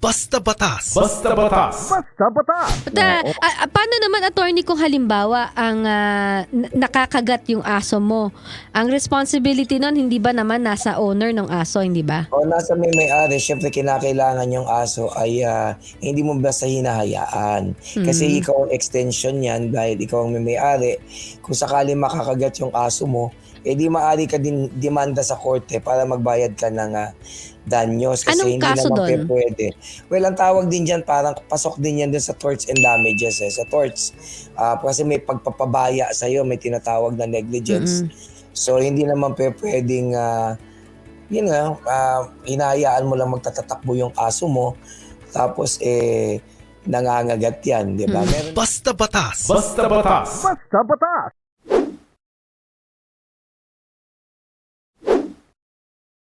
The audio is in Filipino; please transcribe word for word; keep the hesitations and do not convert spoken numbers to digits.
Basta Batas. Basta Batas. Basta Batas. Basta, ah, paano naman, attorney, kung halimbawa ang ah, n- nakakagat yung aso mo? Ang responsibility nun, hindi ba naman nasa owner ng aso, hindi ba? O nasa may may-ari, syempre kinakailangan yung aso ay ah, hindi mo basta hinahayaan. Kasi ikaw ang extension yan dahil ikaw ang may may-ari. Kung sakali makakagat yung aso mo, eh di maaari ka din demanda sa korte para magbayad ka ng ah, danyos. Kasi Anong hindi kaso naman doon? pe- pwede. Well, ang tawag din dyan, parang pasok din yan dun sa torts and damages. Eh. Sa torts, ah, kasi may pagpapabaya sa'yo, may tinatawag na negligence. So, hindi naman pe pwedeng, ah, yun nga, ah, hinahayaan mo lang magtatatakbo yung aso mo, tapos eh, nangangagat yan, di ba? Meron Basta Batas. Basta Batas. Basta Batas.